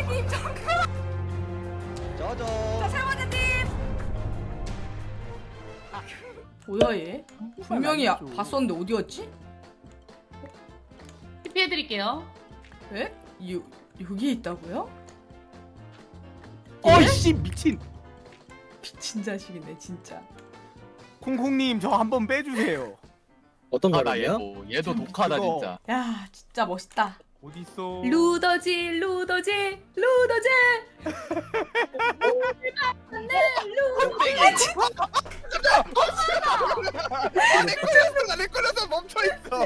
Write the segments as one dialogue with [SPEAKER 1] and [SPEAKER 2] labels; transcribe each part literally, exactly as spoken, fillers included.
[SPEAKER 1] 사모님 잠깐.
[SPEAKER 2] 저저.
[SPEAKER 1] 자 사모님. 뭐야 얘? 분명히 아, 봤었는데 어디 갔지?
[SPEAKER 3] 피해드릴게요.
[SPEAKER 1] 에? 요 여기 있다고요?
[SPEAKER 4] 어이씨 미친.
[SPEAKER 1] 미친 자식이네 진짜.
[SPEAKER 4] 콩콩님 저 한번 빼주세요.
[SPEAKER 5] 어떤
[SPEAKER 6] 아, 나
[SPEAKER 5] 거라고요?
[SPEAKER 6] 얘도 얘도 독하다
[SPEAKER 4] 그거.
[SPEAKER 6] 진짜.
[SPEAKER 1] 야 진짜 멋있다.
[SPEAKER 4] 어디 있어?
[SPEAKER 3] 루더지 루더지 루더지.
[SPEAKER 2] 내 걸렸어 나내 걸려서 멈춰 있어.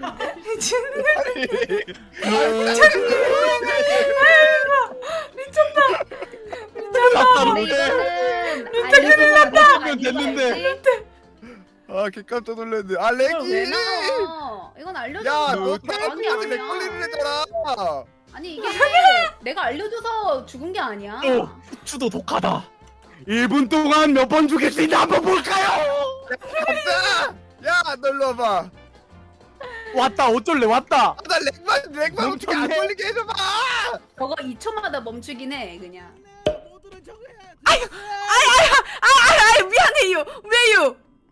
[SPEAKER 3] 근데 이거는 알려주면
[SPEAKER 4] 됐는데.
[SPEAKER 2] 아 개깜짝 놀랐네. 아
[SPEAKER 3] 왜
[SPEAKER 2] 렉이.
[SPEAKER 3] 나와? 이건 알려주면
[SPEAKER 2] 야너
[SPEAKER 3] 그런 게
[SPEAKER 2] 나한테 렉
[SPEAKER 3] 아니야.
[SPEAKER 2] 걸리는 애잖아.
[SPEAKER 3] 아니 이게 내가 알려줘서 죽은 게 아니야.
[SPEAKER 6] 어, 후추도 독하다.
[SPEAKER 4] 일 분 동안 몇 번 죽일 수 있나 한번 볼까요?
[SPEAKER 2] 갑자. 야너 일로 와봐.
[SPEAKER 4] 왔다 어쩔래 왔다.
[SPEAKER 2] 아, 나 렉만 렉만 어떻게 안
[SPEAKER 4] 멈췄네.
[SPEAKER 2] 걸리게 해줘봐.
[SPEAKER 3] 저거 이 초마다 멈추긴 해 그냥.
[SPEAKER 1] 아유 미안해요. 왜요?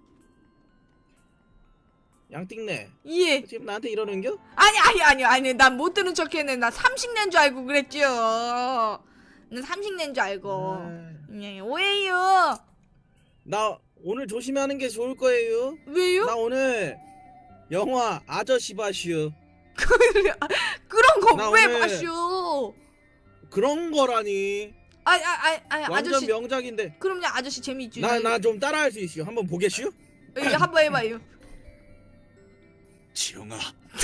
[SPEAKER 5] 양띵네
[SPEAKER 1] 예.
[SPEAKER 5] 지금 나한테 이러는겨?
[SPEAKER 1] 아니 아니 아니 아니 난 못 들은 척했네. 나 삼식 낸 줄 알고 그랬죠. 난 삼식 낸 줄 알고.
[SPEAKER 5] 아,
[SPEAKER 1] 예, 오해요.
[SPEAKER 5] 나 오늘 조심하는 게 좋을 거예요.
[SPEAKER 1] 왜요?
[SPEAKER 5] 나 오늘 영화 아저씨 봐슈.
[SPEAKER 1] 그런 거
[SPEAKER 5] 나
[SPEAKER 1] 왜
[SPEAKER 5] 오늘-
[SPEAKER 1] 마쇼?
[SPEAKER 5] 그런 거라니.
[SPEAKER 1] 아니 아니 아니
[SPEAKER 5] 완전
[SPEAKER 1] 아저씨.
[SPEAKER 5] 명작인데.
[SPEAKER 1] 그럼요 아저씨 재미있죠.
[SPEAKER 5] 나 나 좀 따라할 수 있슈. 한번 보겠슈?
[SPEAKER 1] 예, 한번 해봐요.
[SPEAKER 4] 지영아.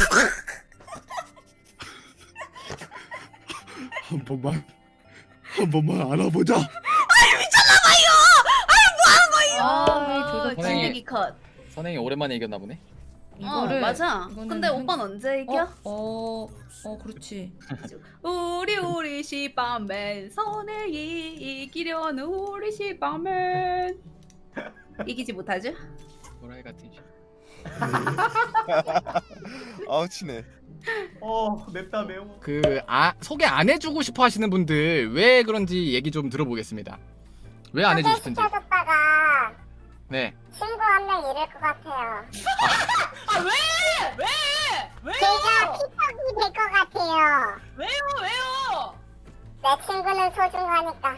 [SPEAKER 4] 한 번만 한 번만 알아보자.
[SPEAKER 3] 아,
[SPEAKER 1] 아,
[SPEAKER 3] 진격이 컷.
[SPEAKER 6] 선행이 오랜만에 이겼나 보네.
[SPEAKER 3] 어, 맞아.
[SPEAKER 1] 이거는
[SPEAKER 3] 근데
[SPEAKER 1] 한-
[SPEAKER 3] 오빠는 언제 이겨?
[SPEAKER 1] 어, 어, 어 그렇지.
[SPEAKER 3] 우리 우리 시바맨 선행이 이기려는 우리 시바맨 이기지 못하죠?
[SPEAKER 6] 도라이 같은 시.
[SPEAKER 2] 아우 치네.
[SPEAKER 4] 어 맵다 매워.
[SPEAKER 6] 그 아, 소개 안 해주고 싶어 하시는 분들 왜 그런지 얘기 좀 들어보겠습니다. 왜 안 해주고 싶은지.
[SPEAKER 7] 시켜줬다가
[SPEAKER 6] 네.
[SPEAKER 7] 친구 한 명 잃을 것 같아요.
[SPEAKER 3] 아 왜? 왜? 왜요?
[SPEAKER 7] 제가 피턱이 될 것 같아요.
[SPEAKER 3] 왜요? 왜요?
[SPEAKER 7] 내 친구는 소중하니까.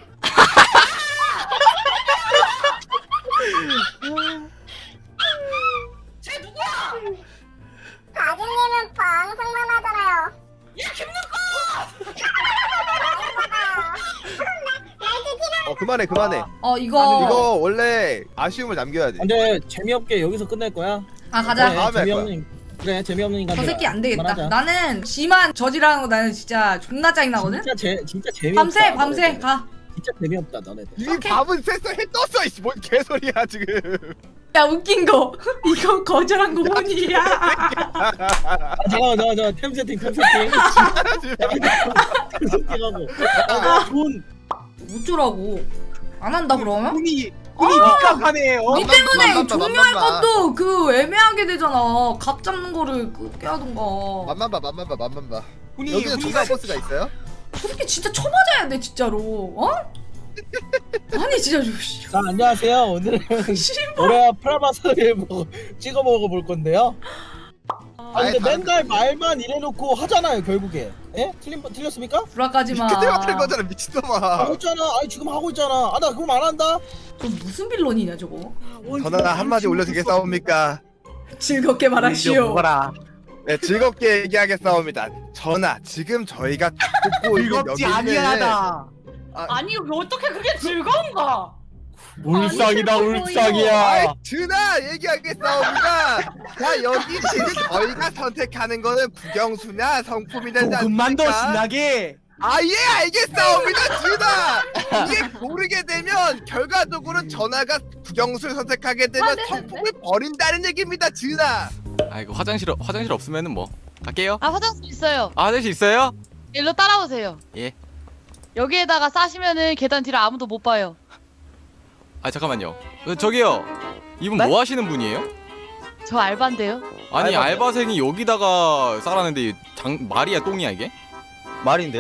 [SPEAKER 3] 쟤 누구야?
[SPEAKER 7] 가진님은 방송만 하잖아요.
[SPEAKER 3] 야 김누
[SPEAKER 2] 어 그만해 그만해.
[SPEAKER 1] 어 이거
[SPEAKER 2] 이거 원래 아쉬움을 남겨야지.
[SPEAKER 5] 근데 재미없게 여기서 끝낼 거야.
[SPEAKER 1] 아 가자.
[SPEAKER 2] 네. 다음에 할
[SPEAKER 5] 재미없는 그래 재미없는 인간.
[SPEAKER 1] 저 새끼 안 되겠다. 나는 지만 저지라는 거 나는 진짜 존나 짜증 나거든.
[SPEAKER 5] 진짜 재 진짜 재미없다.
[SPEAKER 1] 밤새 밤새
[SPEAKER 5] 너네들.
[SPEAKER 1] 가.
[SPEAKER 5] 진짜 재미없다 너네들.
[SPEAKER 2] 이 밥은 쎄쎄 해 떴어 이씨 뭔 개소리야 지금.
[SPEAKER 1] 야 웃긴 거 이거 거절한 거 뭐니야?
[SPEAKER 5] 아, 잠깐만 잠깐만 잠깐만 템 세팅 템 세팅. 템 세팅하고. 아, 돈.
[SPEAKER 1] 어쩌라고? 안 한다 그러면?
[SPEAKER 4] 돈이 돈이 입각하네. 어?
[SPEAKER 1] 니 때문에
[SPEAKER 2] 맘만 봐,
[SPEAKER 1] 종료할
[SPEAKER 2] 맘만 봐.
[SPEAKER 1] 것도 그 애매하게 되잖아. 값 잡는 거를 그렇게 하던가.
[SPEAKER 2] 맘만 봐 맘만 봐 맘만 봐.
[SPEAKER 4] 돈이
[SPEAKER 2] 여기는
[SPEAKER 4] 우리가
[SPEAKER 2] 조사 버스가 있어요?
[SPEAKER 1] 저 새끼 진짜 쳐맞아야 돼 진짜로. 어? 아니 진짜 저 씨.
[SPEAKER 5] 자 안녕하세요. 오늘은
[SPEAKER 1] 씨발.
[SPEAKER 5] 올해 프라마사를 뭐 찍어 먹어볼 건데요. 아 근데
[SPEAKER 2] 아예 다른
[SPEAKER 5] 맨날 말만 이래놓고 하잖아요 결국에. 예? 틀린 틀렸습니까?
[SPEAKER 1] 불화까지 마.
[SPEAKER 2] 그때 같은 거잖아 미친놈아.
[SPEAKER 5] 하고 있잖아. 아니 지금 하고 있잖아. 아 나 그럼 안 한다.
[SPEAKER 1] 저 무슨 빌런이냐 저거?
[SPEAKER 2] 전화 한마디 올려 되겠사옵니까?
[SPEAKER 1] 즐겁게 말하시오.
[SPEAKER 4] 먹어라.
[SPEAKER 2] 네 즐겁게 얘기하겠사옵니다. 전하 지금 저희가 듣고 있는
[SPEAKER 4] 즐겁지
[SPEAKER 2] 여기 있는
[SPEAKER 4] 아니하다.
[SPEAKER 3] 아니 어떻게 그게 즐거운가?
[SPEAKER 4] 울상이다
[SPEAKER 3] 아니,
[SPEAKER 4] 울상이야.
[SPEAKER 2] 아이 준아 얘기하겠사옵니다. 자 여기 지금 저희가 선택하는 거는 국영수냐 성품이 되지
[SPEAKER 4] 조금만 더
[SPEAKER 2] 않습니까?
[SPEAKER 4] 신나게.
[SPEAKER 2] 아예 알겠사옵니다 준아. 이게 모르게 되면 결과적으로 전하가 국영수를 선택하게 되면
[SPEAKER 3] 아, 네네네.
[SPEAKER 2] 성품을 버린다는 얘기입니다 준아.
[SPEAKER 6] 아 이거 화장실 화장실 없으면은 뭐 갈게요.
[SPEAKER 8] 아 화장실 있어요.
[SPEAKER 6] 아, 화장실 있어요?
[SPEAKER 8] 일로 따라오세요.
[SPEAKER 6] 예.
[SPEAKER 8] 여기에다가 싸시면은 계단 뒤를 아무도 못 봐요.
[SPEAKER 6] 아 잠깐만요. 어, 저기요. 이분
[SPEAKER 8] 네?
[SPEAKER 6] 뭐 하시는 분이에요?
[SPEAKER 8] 저 알바인데요.
[SPEAKER 6] 아니
[SPEAKER 5] 알바세요.
[SPEAKER 6] 알바생이 여기다가 싸라는데 장 말이야 똥이야 이게?
[SPEAKER 5] 말인데요?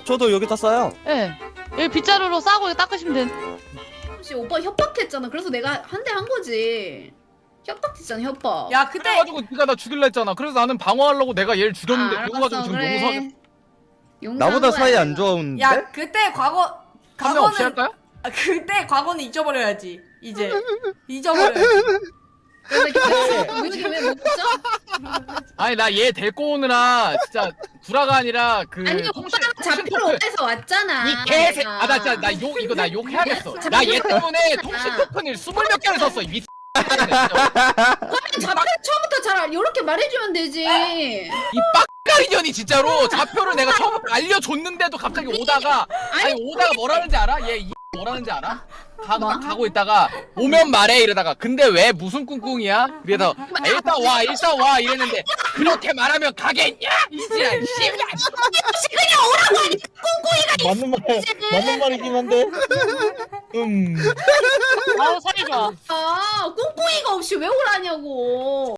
[SPEAKER 9] 저도 여기다 싸요.
[SPEAKER 8] 예. 여기 빗자루로 싸고 이거 닦으시면 된.
[SPEAKER 3] 혹시 오빠 협박했잖아. 그래서 내가 한 대 한 거지. 협박했잖아 협박.
[SPEAKER 1] 야 그때
[SPEAKER 6] 그래가지고 네가 나 죽일라 했잖아. 그래서 나는 방어하려고 내가 얘를 죽였는데
[SPEAKER 3] 아,
[SPEAKER 6] 그거 가지고
[SPEAKER 3] 알았어,
[SPEAKER 6] 지금
[SPEAKER 3] 그래.
[SPEAKER 6] 용서하겠.
[SPEAKER 3] 용서한
[SPEAKER 9] 나보다
[SPEAKER 3] 거야,
[SPEAKER 9] 사이 안
[SPEAKER 3] 내가.
[SPEAKER 9] 좋은데?
[SPEAKER 1] 야 그때 과거
[SPEAKER 6] 한 명 없이
[SPEAKER 1] 과거는
[SPEAKER 6] 할까요?
[SPEAKER 1] 아, 그때 과거는 잊어버려야지 이제 잊어버려야지.
[SPEAKER 3] 그래서 우리 왜못 줘?
[SPEAKER 6] 아니 나 얘 데리고 오느라 진짜 구라가 아니라 그
[SPEAKER 3] 아니
[SPEAKER 6] 통신-
[SPEAKER 3] 오빠가
[SPEAKER 6] 통신
[SPEAKER 3] 잡히러
[SPEAKER 6] 토큰.
[SPEAKER 3] 오해서 왔잖아.
[SPEAKER 6] 이 개새
[SPEAKER 3] 내가.
[SPEAKER 6] 아나 진짜 나 욕 이거 나 욕 해야겠어. 나 얘 때문에 통신 토큰을 스물 몇 개를 샀어. 이 미친.
[SPEAKER 3] 그러면 잡혀 처음부터 잘 이렇게 말해주면 되지.
[SPEAKER 6] 이 빡가리년이 진짜로 좌표를 내가 처음부터 알려줬는데도 갑자기 오다가 아니 오다가 뭐라는지 알아? 얘 이 뭐라는지 알아? 가,
[SPEAKER 3] 뭐?
[SPEAKER 6] 가고 있다가 오면 말해 이러다가 근데 왜 무슨 꿍꿍이야? 그래서 아, 일단 와 일단 와 이랬는데 그렇게 말하면 가겠냐? 이지랄 씨.
[SPEAKER 5] 맞는 말 맞는 말이긴 한데. 음.
[SPEAKER 8] 아우 살이 좋아.
[SPEAKER 3] 아 꽁꽁이가 없이 왜 오라냐고.